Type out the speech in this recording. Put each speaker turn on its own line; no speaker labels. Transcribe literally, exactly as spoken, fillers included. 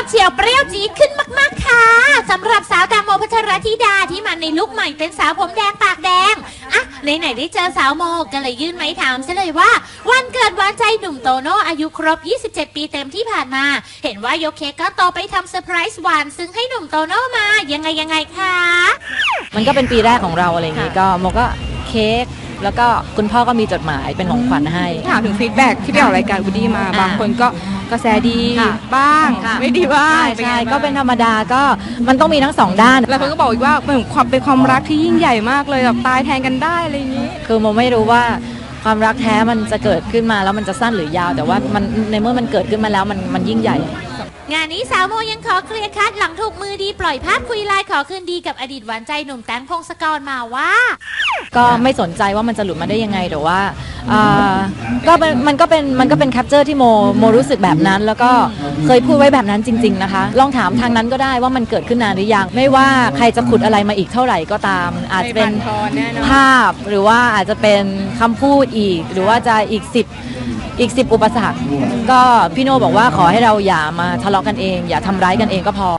ดเฉียวเปรี้ยวจี๊ดขึ้นมากๆค่ะสำหรับสาวแตงโมพัทรธิดาที่มาในลุคใหม่เป็นสาวผมแดงปากแดงอ่ะไหนๆได้เจอสาวโมก็เลยยื่นไม้ถามซะเลยว่าวันเกิดหวานใจหนุ่มโตโน่อายุครบยี่สิบเจ็ดปีเต็มที่ผ่านมาเห็นว่ายกเค้กก็โตไปทำเซอร์ไพรส์หวานซึ่งให้หนุ่มโตโน่มายังไงยังไงคะ
มันก็เป็นปีแรกของเราอะไรอย่างนี้ก็โมก็เค้กแล้วก็คุณพ่อก็มีจดหมายเป็นของขวัญให้
ถามถึงฟีดแบ็กที่ไปออกรายการวูดดี้มาบางคนก็กระแสดีบ้างไม่ดีบ้าง
ใช่ก็เป็นธรรมดาก็มันต้องมีทั้งสองด้าน
แล้วคนก็บอกอีกว่าเป็นความเป็นความรักที่ยิ่งใหญ่มากเลยแบบตายแทนกันได้อะไรอย่างนี้
คือโมไม่รู้ว่าความรักแท้มันจะเกิดขึ้นมาแล้วมันจะสั้นหรือยาวแต่ว่ามันในเมื่อมันเกิดขึ้นมาแล้วมันมันยิ่งใหญ่
งานนี้สาวโมยังขอเคลียร์คัดหลังถูกมือดีปล่อยภาพคุยไลน์ขอคืนดีกับอดีตหวานใจหนุ่มแตงพงศกรมาว่า
ก็ไม่สนใจว่ามันจะหลุดมาได้ยังไงแต่ว่าก็มันก็เป็นมันก็เป็นแคปเจอร์ที่โมโมรู้สึกแบบนั้นแล้วก็เคยพูดไว้แบบนั้นจริงๆนะคะลองถามทางนั้นก็ได้ว่ามันเกิดขึ้นนานหรือยังไม่ว่าใครจะขุดอะไรมาอีกเท่าไหร่ก็ตามอาจจะเป็นภาพหรือว่าอาจจะเป็นคำพูดอีกหรือว่าจะอีกสิบอีกสิบอุปสรรคก็พี่โน่บอกว่าขอให้เราอย่ามาทะเลาะกันเองอย่าทำร้ายกันเองก็พอ